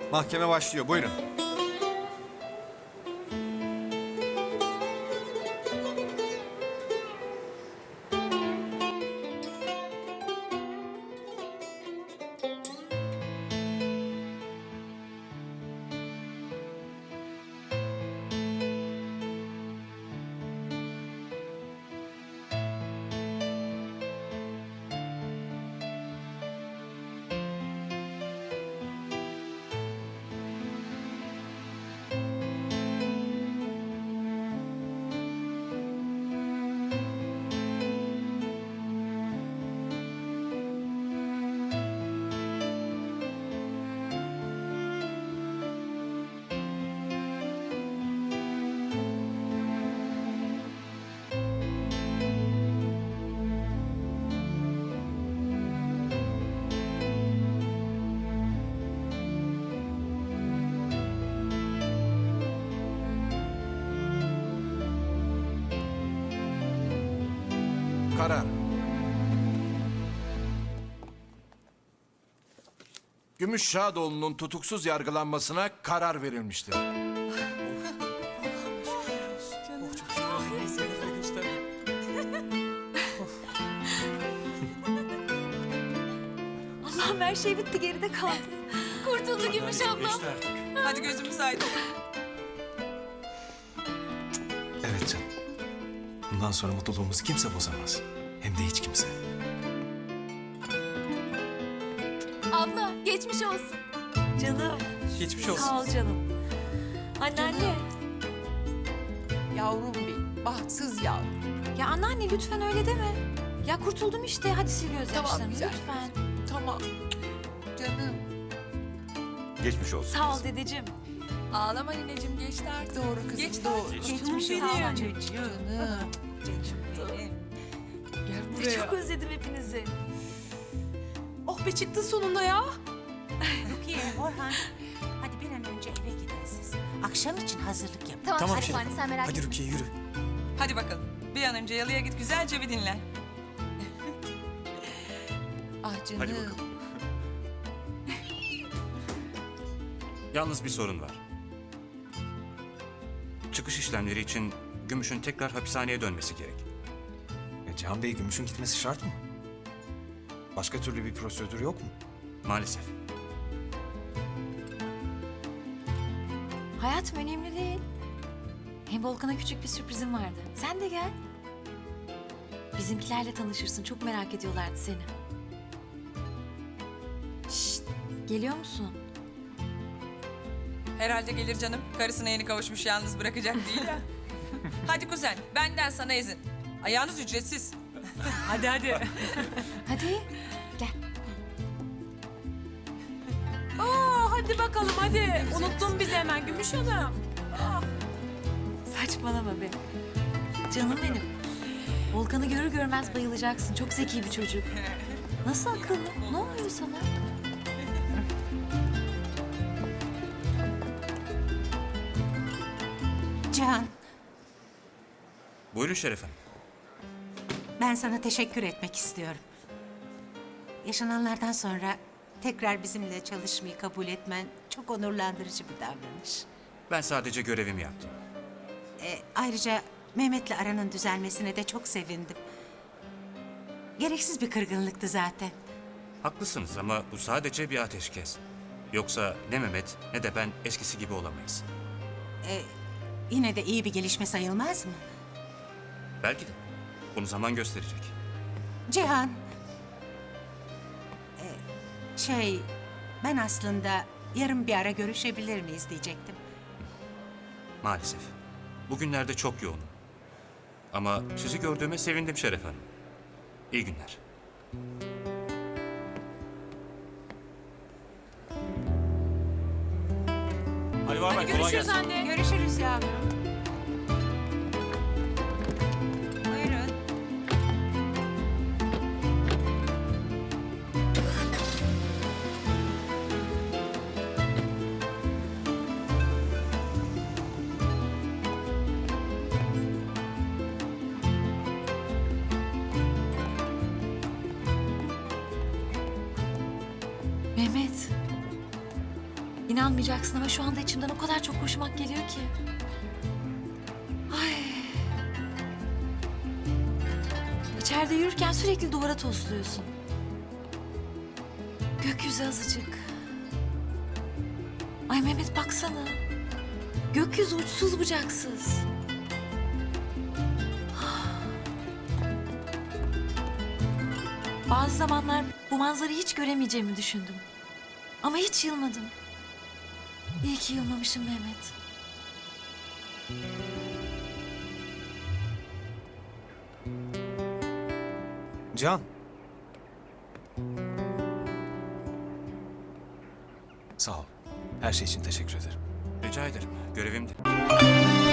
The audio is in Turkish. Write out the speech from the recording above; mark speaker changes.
Speaker 1: Mahkeme başlıyor. Buyurun.
Speaker 2: Karar. Gümüş Şadoğlu'nun tutuksuz yargılanmasına karar verilmiştir.
Speaker 3: Allah'ım her şey bitti, geride kaldı. Kurtuldu Gümüş ablam.
Speaker 4: Hadi gözümüz aydın.
Speaker 5: Evet canım. Bundan sonra mutluluğumuzu kimse bozamaz. Hem de hiç kimse.
Speaker 3: Abla geçmiş olsun. Canım.
Speaker 5: Geçmiş olsun.
Speaker 3: Sağ ol canım. Anneanne.
Speaker 4: Yavrum benim, bahtsız yavrum.
Speaker 3: Ya anneanne lütfen öyle deme. Ya kurtuldum işte, hadi sil gözyaşlarını
Speaker 4: Tamam, güzel.
Speaker 3: lütfen.
Speaker 4: Tamam. Canım.
Speaker 1: Geçmiş olsun.
Speaker 3: Sağ ol dedeciğim.
Speaker 4: Ağlama nineciğim, geçti artık. Doğru kızım,
Speaker 3: Geçti
Speaker 4: doğru.
Speaker 3: artık.
Speaker 4: Geçmiş
Speaker 3: Benim.
Speaker 4: olsun çocuğum. Canım. Benim. Gel buraya.
Speaker 3: Çok özledim hepinizi.
Speaker 4: Oh be, çıktın sonunda ya.
Speaker 6: Rukiye, Orhan. Hadi bir an önce eve gidin siz. Akşam için hazırlık yapın.
Speaker 3: Tamam,
Speaker 5: Tamam
Speaker 3: hadi
Speaker 5: Şerif.
Speaker 3: anne sen merak
Speaker 5: Hadi
Speaker 3: etme.
Speaker 5: Rukiye yürü.
Speaker 4: Hadi bakalım. Bir an önce yalıya git, güzelce bir dinlen. Ah canım.
Speaker 7: Hadi bakalım. Yalnız bir sorun var. Çıkış işlemleri için Gümüş'ün tekrar hapishaneye dönmesi gerek.
Speaker 5: Cihan Bey, Gümüş'ün gitmesi şart mı? Başka türlü bir prosedür yok mu?
Speaker 7: Maalesef.
Speaker 3: Hayatım önemli değil. Hem Volkan'a küçük bir sürprizim vardı. Sen de gel. Bizimkilerle tanışırsın. Çok merak ediyorlardı seni. Şşt, geliyor musun?
Speaker 4: Herhalde gelir canım. Karısına yeni kavuşmuş, yalnız bırakacak değil ya. Hadi kuzen, benden sana izin. Ayağınız ücretsiz. Hadi hadi.
Speaker 3: Hadi gel.
Speaker 4: Hadi bakalım hadi. Unuttun bizi hemen Gümüş Hanım.
Speaker 3: Saçmalama be. Canım benim. Volkan'ı görür görmez bayılacaksın. Çok zeki bir çocuk. Nasıl akıllı? Ne oluyor sana?
Speaker 6: Cihan,
Speaker 7: Buyurun Şeref Hanım.
Speaker 6: ben sana teşekkür etmek istiyorum. Yaşananlardan sonra tekrar bizimle çalışmayı kabul etmen çok onurlandırıcı bir davranış.
Speaker 7: Ben sadece görevimi yaptım.
Speaker 6: Ayrıca Mehmet'le aranın düzelmesine de çok sevindim. Gereksiz bir kırgınlıktı zaten.
Speaker 7: Haklısınız ama bu sadece bir ateşkes. Yoksa ne Mehmet ne de ben eskisi gibi olamayız.
Speaker 6: Yine de iyi bir gelişme sayılmaz mı?
Speaker 7: Belki de. Bunu zaman gösterecek.
Speaker 6: Cihan, ben aslında yarın bir ara görüşebilir miyiz diyecektim.
Speaker 7: Maalesef. Bugünlerde çok yoğunum. Ama sizi gördüğüme sevindim Şeref Hanım. İyi günler.
Speaker 1: Hadi var
Speaker 4: Hadi görüşürüz anne.
Speaker 6: Görüşürüz yavrum. Buyurun.
Speaker 3: Mehmet. İnanmayacaksın ama şu anda içimden o kadar çok koşmak geliyor ki. Ay. İçeride yürürken sürekli duvara tosluyorsun. Gökyüzü azıcık. Ay Mehmet baksana. Gökyüzü uçsuz bucaksız. Bazı zamanlar bu manzarayı hiç göremeyeceğimi düşündüm. Ama hiç yılmadım. İyi ki yılmamışım Mehmet.
Speaker 5: Can. Sağ ol. Her şey için teşekkür ederim.
Speaker 7: Rica ederim. Görevimdi.